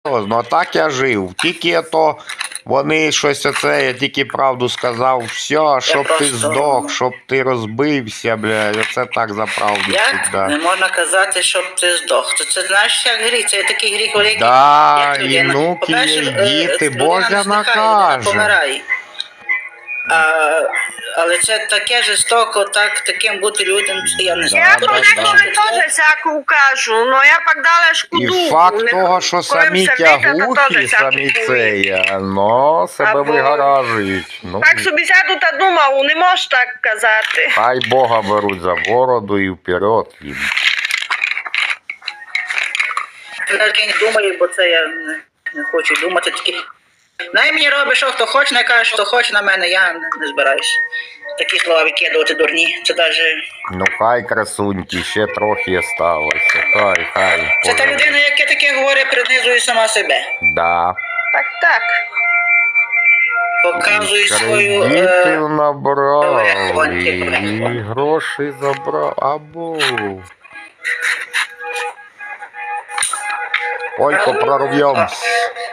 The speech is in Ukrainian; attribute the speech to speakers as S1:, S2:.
S1: А так я жив. Тільки то вони щось оце, я тільки правду сказав, все, щоб ти
S2: просто-
S1: здох, щоб ти розбився, блядь, оце так за правду
S2: Як
S1: всегда.
S2: не можна казати, щоб ти здох? Це знаєш, як гріх, це такий гріх великий,
S1: Да,
S2: як
S1: і
S2: людина.
S1: внуки,
S2: По-перше,
S1: і діти,
S2: людина
S1: Боже
S2: не здихає, людина
S1: накаже.
S2: помирає. Але це таке жорстоко, таким бути людям, я не знаю.
S3: Я
S1: Да,
S3: по
S1: да,
S3: деколи
S1: да.
S3: теж всяку кажу, но я пак дала шкоду.
S1: І факт того, що самі тягухи, самі це є, но себе
S3: Або-
S1: вигаражують. Ну,
S3: Так собі сяду та думав, не можеш так казати.
S1: хай Бога беруть за бороду і вперед їм.
S2: Я не думаю, бо це я не хочу думати. Тільки най мені робить, що хто хоче, не каже, що хоче на мене, я не збираюсь. Такі слова викидувати дурні. Це навіть...
S1: Ну хай красуньки, ще трохи сталося. Хай.
S2: Це та людина, яка таке говорить, принизує сама себе.
S1: Да.
S3: Так.
S2: Показує свою...
S1: Кредитів набрав
S2: Хватить.
S1: і гроші забрав. Або. Ой, прорвемся.